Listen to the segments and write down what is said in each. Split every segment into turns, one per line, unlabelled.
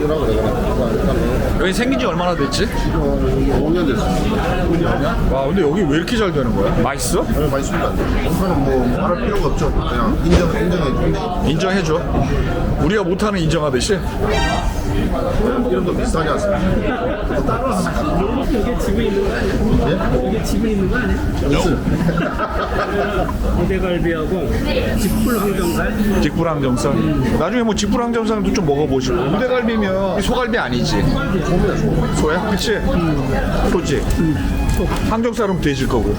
주라고 내가 일단은
여기 생긴 지 얼마나 됐지?
지금 5년 됐어.
와 근데 여기 왜 이렇게 잘 되는 거야? 맛있어?
많이 쓰면 안 돼. 공사는 뭐 말할 필요가 없죠. 그냥 인정해.
인정해줘. 우리가 못하는 인정하듯이.
이런 거 비슷하지 않습니까?
이게 집에 있는 거 아니야?
예?
이게 집에 있는 거 아니야? 우대갈비하고 직불 항정살.
직불항정살. 나중에 뭐 직불항정살도 좀 먹어보시고. 우대갈비면 소갈비 아니지? 소야? 그치? 소지? 항정살은 돼질 거고.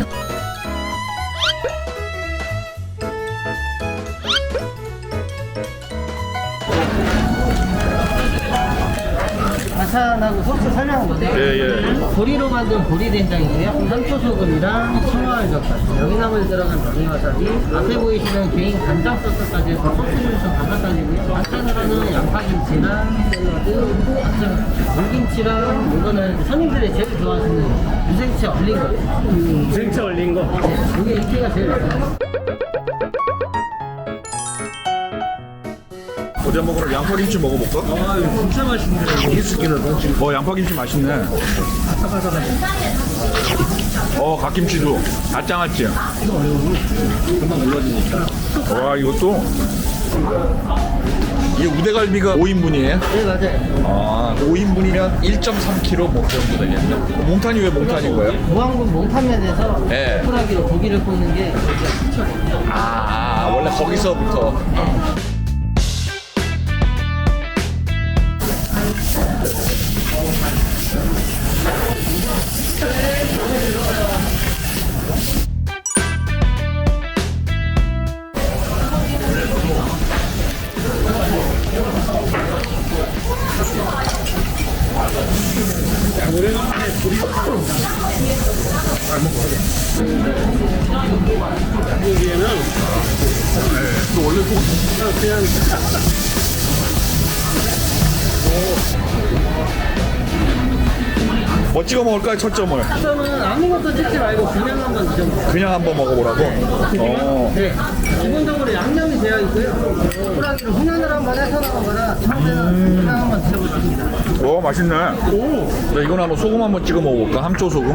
과찬하고 소스 설명한 건데
예.
보리로 만든 보리된장이고요. 산초소금이랑 청화알젓까지 여기나물 들어간 명이와사비 앞에 보이시는 개인 간장 소스까지 해서 소스를 좀 담아다니고요. 반찬으로는 양파김치랑 샐러드, 물김치랑 이거는 손님들이 제일 좋아하시는 유생채 얼린 거.
생채 얼린 거.
이게 인기가 제일 많아요.
어디 한번 그럼 양파김치 먹어볼까?
아, 이거 진짜 맛있네.
양파김치 맛있네. 갓김치도 아짱았지? 금방 눌러지니까. 와, 이것도. 이게 우대갈비가 5인분이에요?
네, 맞아요.
5인분이면 1.3kg 뭐 정도 되겠네. 몽탄이 왜 몽탄인 거예요?
무항군 몽탄면에서
네.
쿨하기로 고기를 볶는 게
원래 거기서부터.
여기에는
또 원래 소금.
그냥
뭐 찍어 먹을까요, 첫 점을?
저는 아무것도 찍지 말고 그냥 한번 드셔보세요.
그냥 한번 먹어보라고?
네. 기본적으로 양념이 되어 있고요. 쿨하기로 훈연을 한번 해서 나오거나 처음에는 그냥 한번 드셔보십니다.
맛있네. 자, 이거는 한번 소금 한번 찍어 먹어볼까? 함초 소금.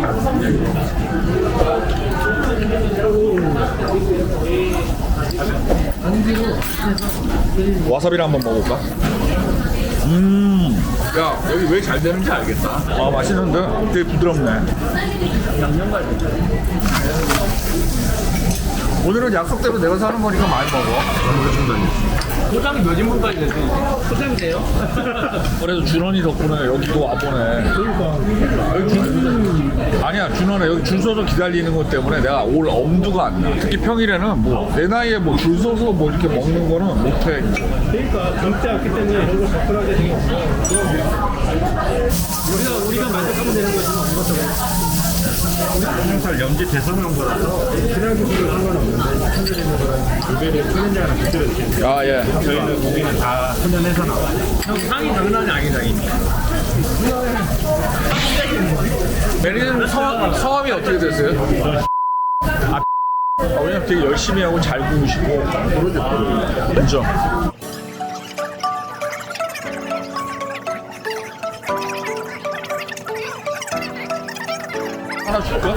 전기로
와사비를 한번 먹어볼까? 야, 여기 왜 잘 되는지 알겠다. 맛있는데? 되게 부드럽네.
양념갈비.
오늘은 약속대로 내가 사는 거니까 많이 먹어.
포장이 몇 인분까지 되지? 포장이 돼요?
그래도 준원이 덕분에 여기 또 와보네. 아니야, 준원아, 여기 줄 서서 기다리는 것 때문에 내가 올 엄두가 안 나. 특히 평일에는 뭐 내 나이에 뭐 줄 서서 뭐 이렇게 먹는 거는 못해.
그러니까 절대 없기 때문에 이런 거 접근하게 생겼어. 우리가 만족하면 되는 거지 뭐 이것저것.
항상 염지 대선한 거라서 필요하기도 상관없는데 천연에는 고기를 천연장이랑 곁들여 드시는
예.
저희는 고기는 다 천연해서 나와요.
형 상이 장난이 아니다니까.
매니저님 성함이 어떻게 되세요? 왜냐면 되게 열심히 하고 잘 구우시고. 인정. 하나 줄까?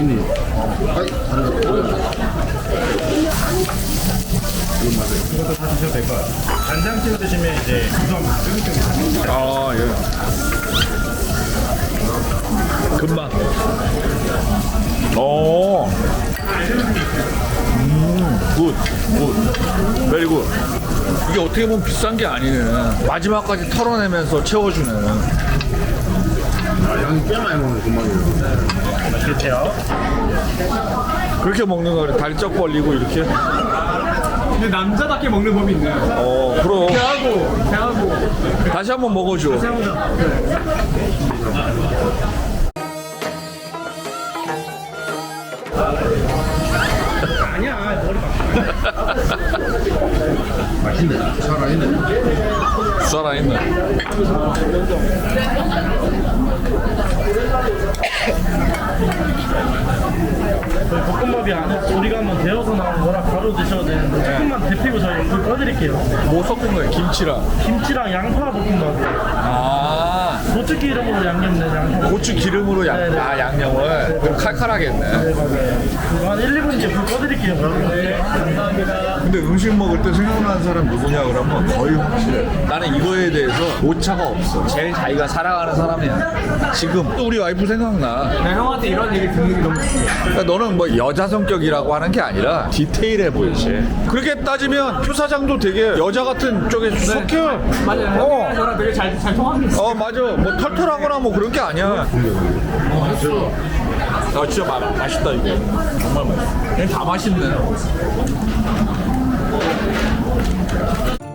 이것도 다 드셔도 될 것 같아요. 간장 찍어 드시면 이제 구성 쫄깃쫄깃합니다.
예. 금방. 굿. 베리 굿. 이게 어떻게 보면 비싼 게 아니네. 마지막까지 털어내면서 채워주네.
양이 꽤 많이 먹는 금방이에요.
맛있겠죠?
그렇게 먹는 거를 달쩍 벌리고 이렇게.
근데 남자답게 먹는 법이 있네.
그럼.
배하고.
다시 한번 먹어줘.
아니야, 머리 막.
맛있네. 살아있네.
살아있네.
저희 볶음밥이 안에 우리가 한번 데워서 나온 거라 바로 드셔도 되는데 조금만 데피고 저희 불 꺼드릴게요.
뭐 섞은 거예요? 김치랑.
김치랑 양파 볶음밥.
아,
고추 기름으로 양념된 양파.
고추 기름으로
네네.
양념을. 그럼 칼칼하겠네.
네, 맞아요. 한 1, 2분 뒤에 불 꺼드릴게요. 네, 감사합니다.
근데 음식 먹을 때 생각나는 사람 누구냐 그러면 거의 확실해. 나는 이거에 대해서 오차가 없어. 제일 자기가 사랑하는 사람이야. 지금 또 우리 와이프 생각나.
나 형한테 이런 얘기 듣는 게 너무 좋아.
그러니까 너는 뭐 여자 성격이라고 하는 게 아니라 디테일해 보이지. 그렇게 따지면 표 사장도 되게 여자 같은 쪽에 속해.
맞아요. 형이랑 저랑 되게 잘 통합니다.
맞아. 뭐 털털하거나 뭐 그런 게 아니야. 진짜 맛있다 이거. 정말 맛있어. 그냥 다 맛있네.